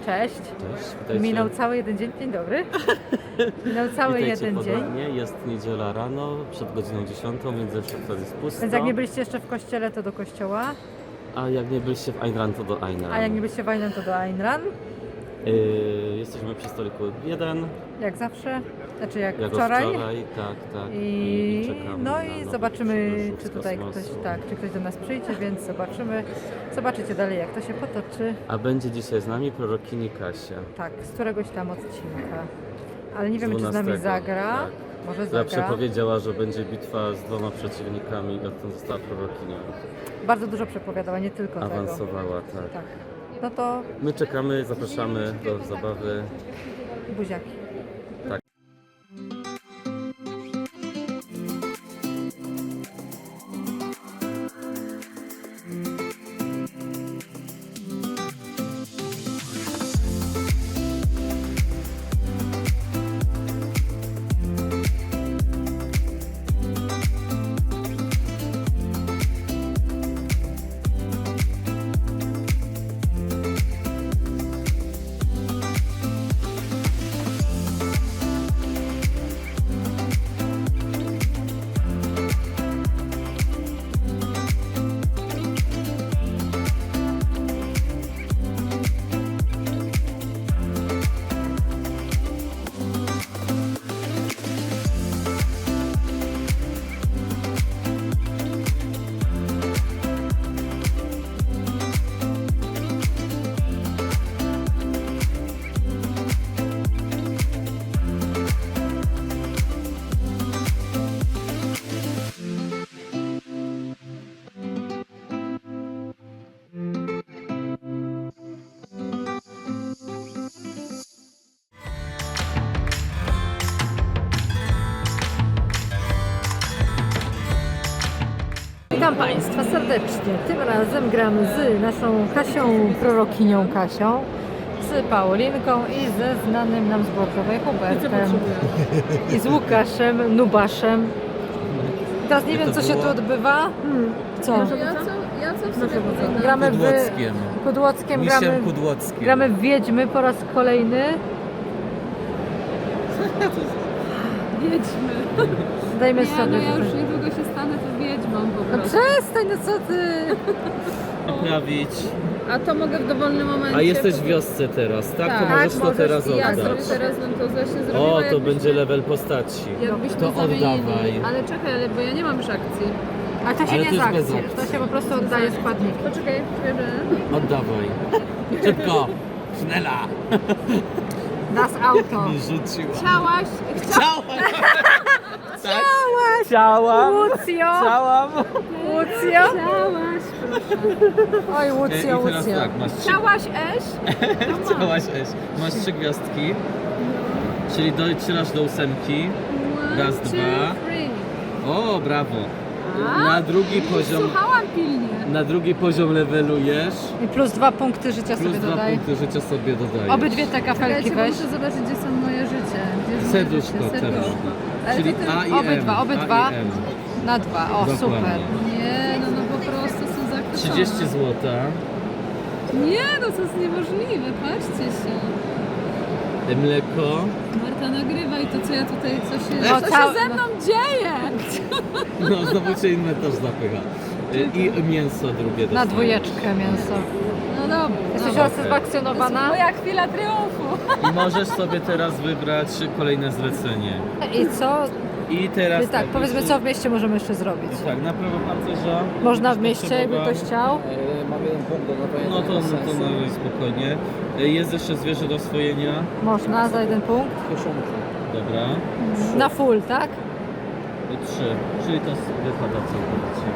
Cześć. Cześć, witajcie. Minął cały jeden dzień. Dzień dobry. Minął cały Witajcie jeden dzień. ponownie. Jest niedziela rano, przed godziną 10, więc zawsze wtedy jest pusto. Więc jak nie byliście jeszcze w kościele, to do kościoła. A jak nie byliście w Ayn Rand, to do Ayn Rand. A jak nie byliście w Ayn Rand, to do Ayn Rand. Jesteśmy przy stoliku 1. Jak zawsze. Znaczy jak Jak wczoraj. tak. I czekamy no na i nowy zobaczymy, przybyszów czy z tutaj kosmosu. ktoś, tak, czy ktoś do nas przyjdzie, więc zobaczymy. Zobaczycie dalej, jak to się potoczy. A będzie dzisiaj z nami prorokini Kasia. Tak, z któregoś tam odcinka. Ale nie wiemy, czy z 12, nami zagra. tak. Może Która zagra. przepowiedziała, że będzie bitwa z 2 przeciwnikami i odtąd została prorokinią. Bardzo dużo przepowiadała, nie tylko tego. Awansowała, tak. Tak. No to My czekamy, zapraszamy do zabawy. buziaki. Tak. Witam Państwa serdecznie. Tym razem gramy z naszą Kasią, prorokinią Kasią, z Paulinką i ze znanym nam z Bordowej Hubertem. I z Łukaszem, Nubaszem. Teraz nie wiem, co się tu odbywa. Co? Ja co w sobie powinnam? Gramy w Kudłockiem. Kudłockiem, Misiem Kudłockiem. gramy w Wiedźmy po raz kolejny. Wiedźmy. Dajmy Nie, sobie. no ja już niedługo się stanę to wiedźmą po No prostu. przestań, no co ty? Naprawić. A to mogę w dowolnym momencie. A jesteś w wiosce teraz, tak? To Tak, możesz to możesz teraz I ja oddać. sobie teraz bym to właśnie zrobiła. O, to jakbyśmy- będzie level postaci. Jakbyśmy To zamienili. oddawaj. Ale czekaj, bo ja nie mam już akcji. A to się Ale nie to jest z bez akcji, to się po prostu oddaje składniki. Poczekaj, że... Oddawaj. Szybko! Sznela! Das Auto. Mi rzuciła. Chciałaś? Tak? Chciałam. Łucjo! Chciałam. Łucjo! Chciałaś, Oj, I Łucjo, teraz Łucjo. tak, masz 3, Chciałaś Eś? chciałaś Eś. Masz 3 gwiazdki. Czyli docierasz do 8. Raz, One, two, dwa. three. O, brawo. A? Na drugi poziom. Słuchałam pilnie. Na drugi poziom levelujesz. I plus 2 punkty życia Plus sobie 2 dodaj. punkty życia sobie dodajesz. Obydwie te kafelki Czekajcie, bo weź. muszę zobaczyć, gdzie są moje życie. Gdzie jest moje Serduszko życie? teraz. Ale Czyli to ty- A i M. obydwa. A i M. Na 2, o Dokładnie. super. Nie, no po prostu są zakreślone. 30 zł. Nie, no to jest niemożliwe, patrzcie się. Mleko. Marta, nagrywaj to, co ja tutaj, co się, No, co cał- się ze mną dzieje. No znowu cię inny też zapycha. I mięso drugie Na dostajesz. 2 mięso. No dobra. Jesteś Dobra. rozsatysfakcjonowana? Moja chwila triumfu. I możesz sobie teraz wybrać kolejne zlecenie. I co? I teraz Tak, powiedzmy, co w mieście możemy jeszcze zrobić. Tak, na prawo pancerza. Można w będziesz mieście, jakby potrzebował. ktoś chciał. Mam jeden punkt do naprawienia. No to na spokojnie. Jest jeszcze zwierzę do oswojenia. Można za 1 punkt. Dobra. Na full, tak? 3. Czyli to wypada całkowicie.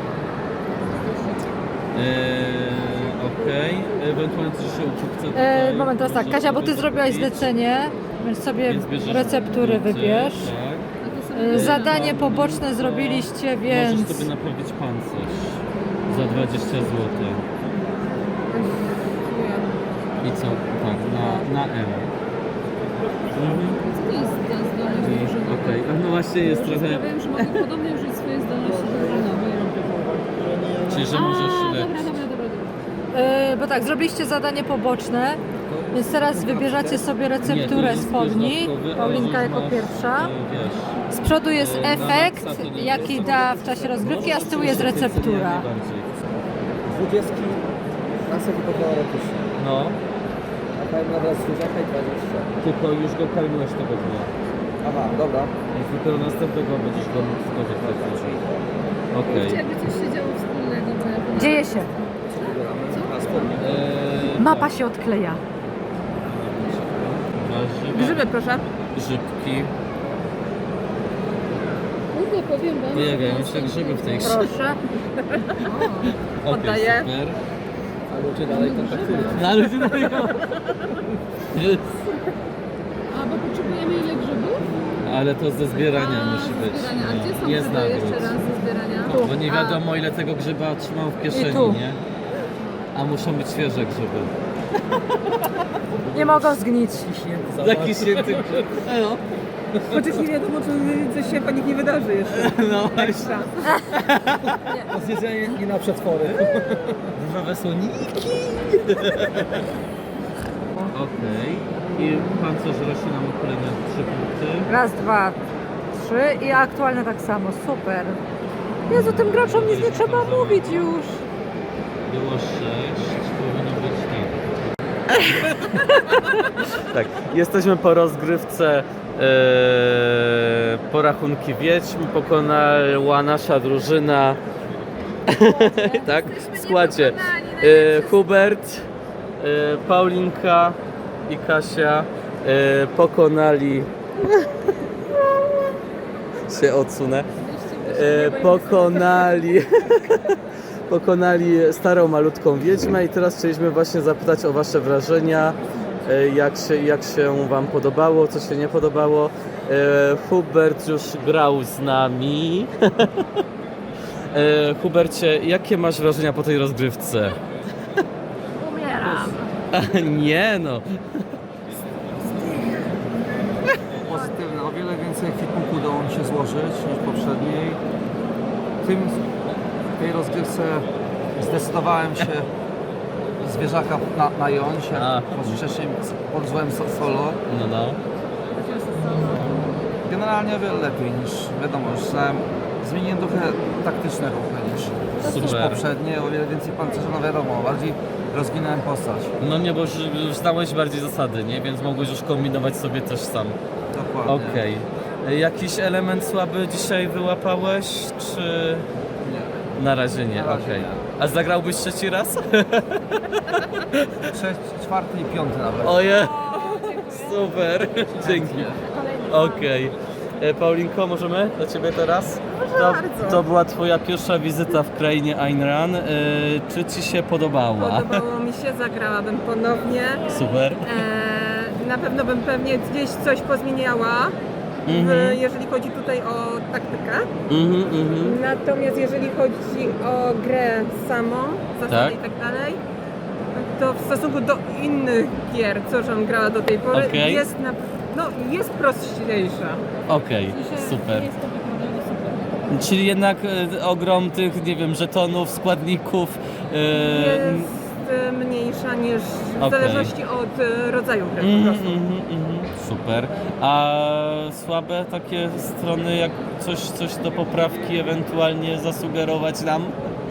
Okej. Ewentualnie coś jeszcze u kupca tutaj. Moment, teraz tak. Możesz Kasia, bo ty sobie zrobiłaś kupić. zlecenie, więc sobie Więc bierzesz receptury punkty, wybierz. Tak. A to sobie Zadanie poboczne zrobiliście, więc... Możesz sobie naprawić pancerz za 20 zł. I co? Tak, na M. Co to jest ta zdolność drużynowa? Okej, no właśnie jest trochę... Wiem, że mogę podobnie użyć swojej zdolności drużynowej. Czyli, że możesz A, lepiej. dobra. Bo tak, zrobiliście zadanie poboczne Więc teraz wybierzecie sobie recepturę spodni. Paulinka jako pierwsza. Wiesz, Z przodu jest na efekt, maksa to nie jaki wiem, da w czasie rozgrywki, a z tyłu jest receptura. 20 na sobie podała ratusza. No, A powiem nawet zwierzaka i 20. tylko już go karmiłeś tego dnia. Aha, dobra. Więc dopiero następnego będziesz go mógł skorzystać. Okej. Chciałaby coś się działo wspólnego. bo ja- Dzieje się. Co wybieramy? A spodnie. Mapa się odkleja. Grzyby, proszę. Grzybki. Kurde, powiem wam. Pojawiają się grzyby w tej grze. Proszę. Okej, Oddaję. super. A ludzie dalej kontaktują. No ale ty dalej A, bo potrzebujemy ile grzybów? Ale to ze zbierania A, musi ze być. zbierania. A gdzie są Jest grzyby jeszcze nagród. raz ze zbierania? Bo nie wiadomo ile tego grzyba trzymał w I kieszeni, tu. nie? A muszą być świeże grzyby. Nie mogą zgnić. Taki święty grzyb. No, Chociaż nie wiadomo, czy coś się po nich nie wydarzy jeszcze. no właśnie. To zjedzenie nie na przetwory. Różowe słoniki. Okej. I pancerz rośnie nam o kolejne 3 punkty. Raz, dwa, trzy i aktualnie tak samo. Super. Jezu, tym graczom nic nie trzeba mówić już. Było 6, powinno być nie. Tak, jesteśmy po rozgrywce porachunki wiedźm. Pokonała nasza drużyna. Tak, w składzie. Hubert, Paulinka i Kasia pokonali. się odsunę. Pokonali starą malutką wiedźmę i teraz chcieliśmy właśnie zapytać o wasze wrażenia, jak się wam podobało, co się nie podobało. Hubert już grał z nami. Hubercie, jakie masz wrażenia po tej rozgrywce? Umieram. Nie no. Pozytywne. O wiele więcej ekwipunku udało mi się złożyć niż poprzedniej. W tej rozgrywce zdecydowałem się zwierzaka nająć, A. jak wcześniej podżyłem solo. No. Generalnie o wiele lepiej niż, wiadomo, już zmieniłem trochę taktyczne ruchy niż Super. poprzednie, o wiele więcej pancerza, no wiadomo, bardziej rozwinąłem postać. No nie, bo już znałeś bardziej zasady, nie? Więc mogłeś już kombinować sobie też sam. Dokładnie. Okej. Jakiś element słaby dzisiaj wyłapałeś, czy Nie. na razie nie? Na razie Okej. nie. A zagrałbyś trzeci raz? Czwarty i piąty nawet. Oje! Super! Dzięki. Okej. Paulinko, możemy do Ciebie teraz? To była Twoja pierwsza wizyta w krainie Ayn Rand. Czy Ci się podobała? Podobało mi się, zagrałabym ponownie. Super. Na pewno bym pewnie gdzieś coś pozmieniała, jeżeli chodzi tutaj o taktykę. Natomiast jeżeli chodzi o grę samą, zasady Tak. i tak dalej, to w stosunku do innych gier, co żem grała do tej pory, Okej. jest prostsza. Okej, super. Jest to wyglądało super. Czyli jednak ogrom tych, nie wiem, żetonów, składników. Jest mniejsza niż w Okej. zależności od rodzaju gry po prostu. Super. A słabe takie strony, jak coś do poprawki ewentualnie zasugerować nam?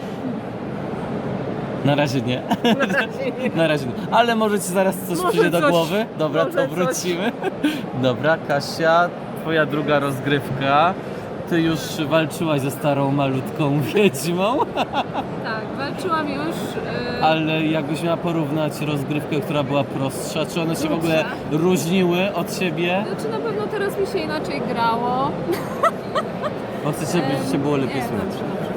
Na razie nie. Na razie nie. Ale może Ci zaraz coś Może przyjdzie do coś. głowy? Dobra, Może to coś. wrócimy. Dobra, Kasia, Twoja druga rozgrywka. Ty już walczyłaś ze starą malutką wiedźmą, Tak, walczyłam już. ale jakbyś miała porównać rozgrywkę, która była prostsza, czy one się w ogóle różniły od siebie? Znaczy na pewno teraz mi się inaczej grało. Bo chcecie, żeby się było lepiej Nie, słychać. dobrze.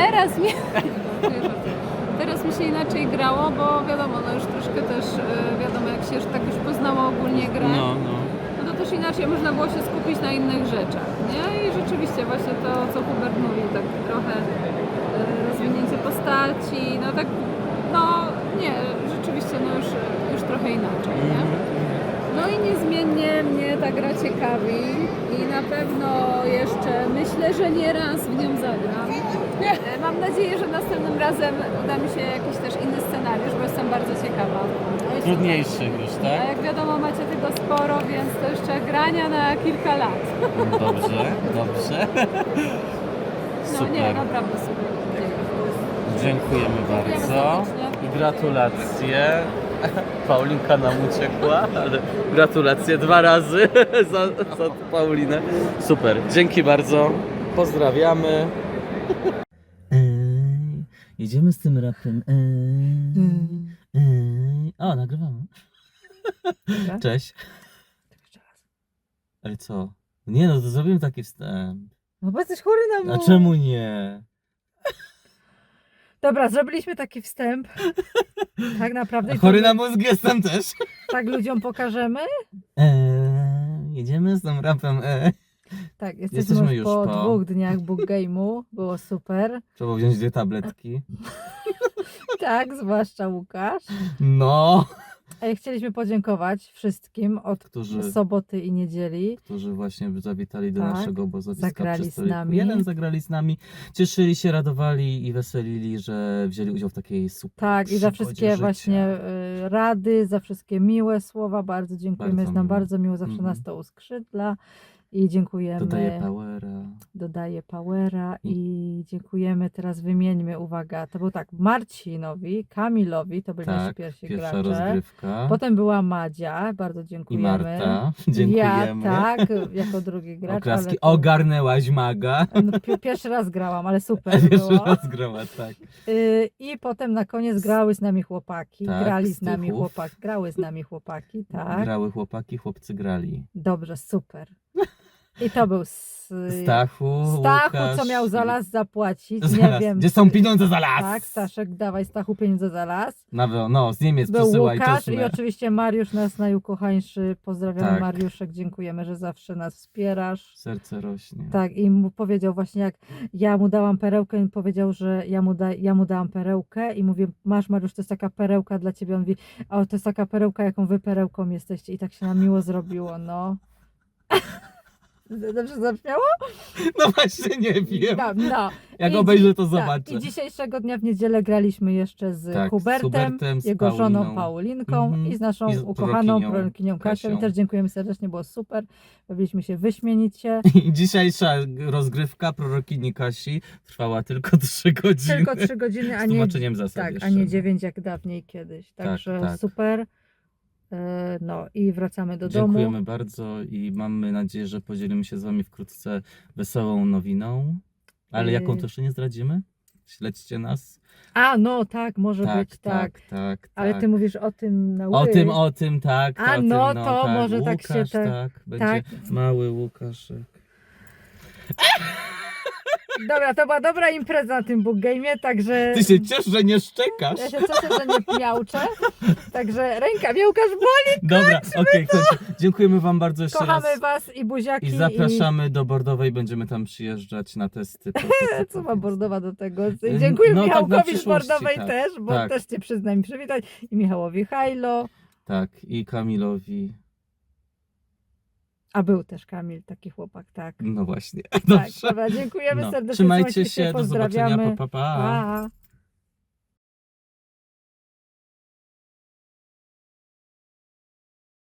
Teraz mi się inaczej grało, bo wiadomo, no już troszkę też wiadomo, jak się tak już poznało ogólnie grę, No. no to też inaczej można było się skupić na innych rzeczach, nie? I rzeczywiście właśnie to, co Hubert mówił, tak trochę rozwinięcie postaci, no tak, no nie, rzeczywiście no już trochę inaczej, nie? No i niezmiennie mnie ta gra ciekawi i na pewno jeszcze myślę, że nie raz w nią zagram. Mam nadzieję, że następnym razem uda mi się jakiś też inny scenariusz, bo jestem bardzo ciekawa. trudniejszych już, A tak? jak wiadomo, macie tego sporo, więc to jeszcze grania na kilka lat. Dobrze, dobrze. No Super. nie, naprawdę super. Dziękujemy bardzo serdecznie. i gratulacje. Paulinka nam uciekła, ale gratulacje 2 razy za Paulinę. Super, dzięki bardzo. Pozdrawiamy. Jedziemy z tym rapem. O, nagrywamy. Cześć. Ale co? Nie no, to zrobimy taki wstęp. No bo jesteś chory na A mózg. czemu nie? Dobra, zrobiliśmy taki wstęp. Tak naprawdę. i Chory to- na mózg jestem też. Tak ludziom pokażemy? Jedziemy z tym rapem. Tak, Jesteśmy jesteśmy już już po po- 2 dniach book game'u. Było super. Trzeba wziąć 2 tabletki. Tak, zwłaszcza Łukasz. No. Chcieliśmy podziękować wszystkim od Którzy- soboty i niedzieli. Którzy właśnie zawitali do Tak. naszego obozowiska Zagrali przy z stoliku. nami. Jeden zagrali z nami. Cieszyli się, radowali i weselili, że wzięli udział w takiej super Tak, i za przygodzie wszystkie życia. właśnie rady, za wszystkie miłe słowa. Bardzo dziękujemy. Bardzo Jest nam miło. bardzo miło, zawsze Mhm. nas to uskrzydla. I dziękujemy. Dodaje powera. Dodaje powera i dziękujemy. Teraz wymieńmy, uwaga, to był tak, Marcinowi, Kamilowi, to byli nasi Tak, pierwsi pierwsza gracze. rozgrywka. Potem była Madzia, bardzo I dziękujemy. Marta. Ja Dziękujemy. tak, jako drugi gracz. Oklaski. ale to- Ogarnęłaś maga. No, pierwszy raz grałam, ale super Pierwszy było. raz grała, tak. I potem na koniec grały z nami chłopaki. Tak, Grali z z nami tychów. chłopaki. Grały z nami chłopaki, tak. Grały chłopaki, chłopcy grali. Dobrze, super. I to był Stachu, Stachu, Łukasz co miał za i- las zapłacić. Za Nie las. wiem. Gdzie są pieniądze za las? Tak, Staszek, dawaj Stachu pieniądze za las. No, z Niemiec Był przesyłaj Łukasz czosnę. i oczywiście Mariusz, nas najukochańszy. Pozdrawiamy Tak. Mariuszek, dziękujemy, że zawsze nas wspierasz. Serce rośnie. Tak, i mu powiedział właśnie, jak ja mu dałam perełkę, i powiedział, że ja mu dałam perełkę i mówię, masz Mariusz, to jest taka perełka dla ciebie. On mówi, o, to jest taka perełka, jaką wy perełką jesteście. I tak się nam miło zrobiło, no. Dobrze zabrzmiało? No właśnie nie wiem. No. Jak I obejrzę, to tak, zobaczę. I dzisiejszego dnia w niedzielę graliśmy jeszcze z Tak, z Hubertem, Hubertem, z jego żoną Pauliną. Paulinką Mhm. i z naszą I z ukochaną prorokinią prorokinią Kasią. I Kasią. też dziękujemy serdecznie, było super. Bawiliśmy się wyśmienicie. I dzisiejsza rozgrywka prorokini Kasi trwała tylko 3 godziny. Tylko 3 godziny, a Z nie, tłumaczeniem zasad tak, jeszcze. a nie 9 jak dawniej kiedyś. Także tak. super. No i wracamy do domu. Dziękujemy bardzo i mamy nadzieję, że podzielimy się z wami wkrótce wesołą nowiną. Ale jaką to jeszcze nie zdradzimy? Śledźcie nas. A, no tak, może być, tak. tak. Ale tak. ty mówisz o tym na O tym, tak. A, o tym, no to tak. może tak się Łukasz, tak- tak. Będzie tak. mały Łukaszek. Dobra, to była dobra impreza na tym book game'ie, także... Ty się ciesz, że nie szczekasz. Ja się cieszę, że nie miauczę. Także ręka mnie Łukasz boli. Dobra, okej, kończę. Dziękujemy wam bardzo jeszcze Kochamy raz. was i buziaki. I zapraszamy do Bordowej, będziemy tam przyjeżdżać na testy. Co ma Bordowa do tego? No, Dziękuję tak, na Michałkowi z przyszłości, Bordowej tak, też, bo tak. też cię przyzna mi przywitać. I Michałowi Hajlo. Tak, i Kamilowi. A był też Kamil, taki chłopak, tak. No właśnie. Tak, Dobrze. dobra, dziękujemy No. serdecznie. Trzymajcie trzymajcie się, do zobaczenia. pozdrawiamy. Pa. Pa.